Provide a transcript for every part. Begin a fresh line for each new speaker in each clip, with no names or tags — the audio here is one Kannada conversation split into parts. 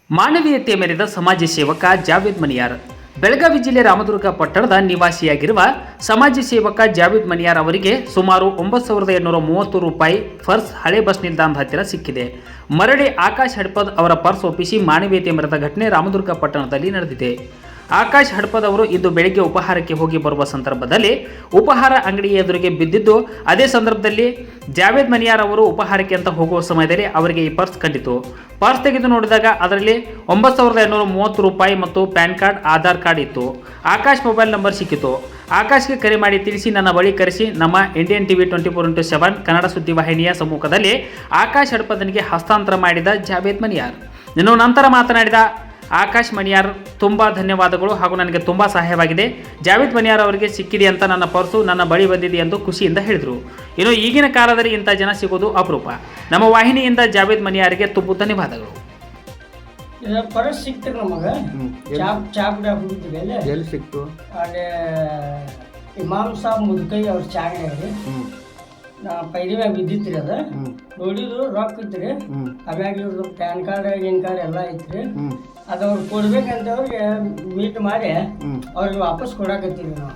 ಮಾನವೀಯತೆ ಮೆರೆದ ಸಮಾಜ ಸೇವಕ ಜಾವೇದ್ ಮನಿಯಾರ್. ಬೆಳಗಾವಿ ಜಿಲ್ಲೆ ರಾಮದುರ್ಗ ಪಟ್ಟಣದ ನಿವಾಸಿಯಾಗಿರುವ ಸಮಾಜ ಸೇವಕ ಜಾವೇದ್ ಮನಿಯಾರ್ ಅವರಿಗೆ ಸುಮಾರು 9,830 ರೂಪಾಯಿ ಪರ್ಸ್ ಹಳೆ ಬಸ್ ನಿಲ್ದಾಣದ ಹತ್ತಿರ ಸಿಕ್ಕಿದೆ. ಮರಳಿ ಆಕಾಶ್ ಹಡ್ಪದ್ ಅವರ ಪರ್ಸ್ ಒಪ್ಪಿಸಿ ಮಾನವೀಯತೆ ಮೆರೆದ ಘಟನೆ ರಾಮದುರ್ಗ ಪಟ್ಟಣದಲ್ಲಿ ನಡೆದಿದೆ. ಆಕಾಶ್ ಹಡ್ಪದ್ ಅವರು ಇಂದು ಬೆಳಗ್ಗೆ ಉಪಹಾರಕ್ಕೆ ಹೋಗಿ ಬರುವ ಸಂದರ್ಭದಲ್ಲಿ ಉಪಹಾರ ಅಂಗಡಿಯ ಎದುರಿಗೆ ಬಿದ್ದಿದ್ದು, ಅದೇ ಸಂದರ್ಭದಲ್ಲಿ ಜಾವೇದ್ ಮನಿಯಾರ್ ಅವರು ಉಪಹಾರಕ್ಕೆ ಅಂತ ಹೋಗುವ ಸಮಯದಲ್ಲಿ ಅವರಿಗೆ ಈ ಪರ್ಸ್ ಕಂಡಿತು. ಪರ್ಸ್ ತೆಗೆದು ನೋಡಿದಾಗ ಅದರಲ್ಲಿ 9,830 ರೂಪಾಯಿ ಮತ್ತು ಪ್ಯಾನ್ ಕಾರ್ಡ್, ಆಧಾರ್ ಕಾರ್ಡ್ ಇತ್ತು. ಆಕಾಶ್ ಮೊಬೈಲ್ ನಂಬರ್ ಸಿಕ್ಕಿತು. ಆಕಾಶ್ಗೆ ಕರೆ ಮಾಡಿ ತಿಳಿಸಿ ನನ್ನ ಬಳಿ ಕರೆಸಿ ನಮ್ಮ ಇಂಡಿಯನ್ ಟಿವಿ 24x7 ಕನ್ನಡ ಸುದ್ದಿವಾಹಿನಿಯ ಸಮ್ಮುಖದಲ್ಲಿ ಆಕಾಶ್ ಹಡ್ಪದನಿಗೆ ಹಸ್ತಾಂತರ ಮಾಡಿದ ಜಾವೇದ್ ಮನಿಯಾರ್. ಇನ್ನು ನಂತರ ಮಾತನಾಡಿದ ಆಕಾಶ್ ಮನಿಯಾರ್, ತುಂಬ ಧನ್ಯವಾದಗಳು ಹಾಗೂ ನನಗೆ ತುಂಬ ಸಹಾಯವಾಗಿದೆ. ಜಾವೇದ್ ಮನಿಯಾರ್ ಅವರಿಗೆ ಸಿಕ್ಕಿದೆ ಅಂತ ನನ್ನ ಪರ್ಸು ನನ್ನ ಬಳಿ ಬಂದಿದೆ ಎಂದು ಖುಷಿಯಿಂದ ಹೇಳಿದರು. ಇನ್ನು ಈಗಿನ ಕಾಲದಲ್ಲಿ ಇಂಥ ಜನ ಸಿಗೋದು ಅಪರೂಪ. ನಮ್ಮ ವಾಹಿನಿಯಿಂದ ಜಾವೇದ್ ಮನಿಯಾರಿಗೆ ತುಂಬ ಧನ್ಯವಾದಗಳು.
ಪರ್ಸ್ ಸಿಕ್ತು ನಮಗೆ. ಚಾಪ್
ಎಲ್ಲಿ ಸಿಕ್ತು?
ಅದೇ ಇಮಾಮ್ ಸಾಬ್ ಮುದ್ಕೈ ಅವ್ರ ಚಾಗಡಿ ನಾ ಪೈರಿಮ್ಯಾಗ ಬಿದ್ದಿತ್ರಿ. ಅದು ನೋಡಿದ್ರು ರೊಕ್ಕ ಇತ್ರಿ. ಆಮ್ಯಾಗ ಇವ್ರದ್ದು ಪ್ಯಾನ್ ಕಾರ್ಡ್, ಗಿನ್ ಕಾರ್ಡ್ ಎಲ್ಲ ಐತ್ರಿ. ಅದು ಅವ್ರು ಕೊಡ್ಬೇಕಂತ ಅವ್ರಿಗೆ ಮೀಟ್ ಮಾಡಿ ಅವ್ರಿಗೆ ವಾಪಸ್ ಕೊಡಾಕತ್ತೀವಿ ನಾವು.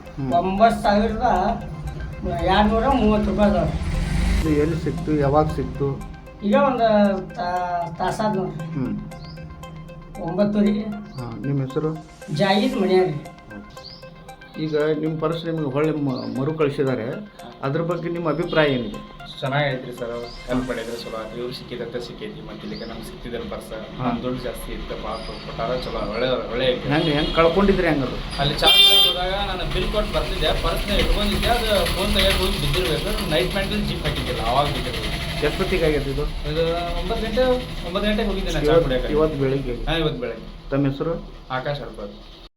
9,230 ರೂಪಾಯಿ ಅದಾವ್ರಿ.
ಎಲ್ಲಿ ಸಿಕ್ತು? ಯಾವಾಗ ಸಿಕ್ತು?
ಈಗ ಒಂದು ತಾಸಾದ ನೋಡ್ರಿ. 9:00.
ನಿಮ್ಮ ಹೆಸರು?
ಜಾವೇದ್ ಮನಿಯಾರ್.
ಈಗ ನಿಮ್ಮ ಪರ್ಸ್ ನಿಮ್ಗೆ ಹೊಳ್ಳಿ ಮರು ಕಳಿಸಿದ್ದಾರೆ, ಅದ್ರ ಬಗ್ಗೆ ನಿಮ್ಮ ಅಭಿಪ್ರಾಯ ಏನಿದೆ?
ಚೆನ್ನಾಗೈತ್ರಿ ಸರ್. ಹೆಲ್ಪ್ ಮಾಡಿದ್ರೆ ಚಲೋ ಆಯ್ತು. ಇವ್ರು ಸಿಕ್ಕಿದಂತೆ ಸಿಕ್ಕೈತಿ. ಮತ್ತೆ ಇಲ್ಲಿಗೆ ನಮ್ಗೆ ಸಿಕ್ತಿದ್ದಲ್ಲ ಪರ್ಸ. ದುಡ್ಡು ಜಾಸ್ತಿ ಇತ್ತು, ಕೊಟ್ಟಾರ ಚಲೋ. ಒಳ್ಳೆ
ಹೆಂಗೆ ಕಳ್ಕೊಂಡಿದ್ರಿ? ಹೆಂಗದು
ಅಲ್ಲಿ ಚಾರ್ಜ್ ಹೋದಾಗ ನಾನು ಬಿಲ್ ಕೊಟ್ಟು ಬರ್ತಿದ್ದೆ, ಪರ್ಸ್ನ ಇಟ್ಕೊಂಡಿದ್ದೆ. ಅದು ಫೋನ್ ತೆಗೆದು ಹೋಗಿ ಬಿದ್ದಿರ್ಬೇಕು. ನೈಟ್ ಮ್ಯಾಂಟಲ್ಲಿ ಜಿಪ್ ಹಾಕಿದ್ದಿಲ್ಲ, ಆವಾಗ ಬಿದ್ದಿರ್ಬೇಕು.
ಎಷ್ಟೊತ್ತಿಗೆ ಆಗೈತೆ ಇದು?
9 ಗಂಟೆಗೆ ಹೋಗಿದ್ದೆ ನಾನು ಚಾರ್ಜ್ ಕುಡಿಯೋಕೆ.
ಇವತ್ತು ಬೆಳಿಗ್ಗೆ?
ಇವತ್ತು ಬೆಳಗ್ಗೆ.
ತಮ್ಮ ಹೆಸರು?
ಆಕಾಶ್ ಹಡ್ಪದ್.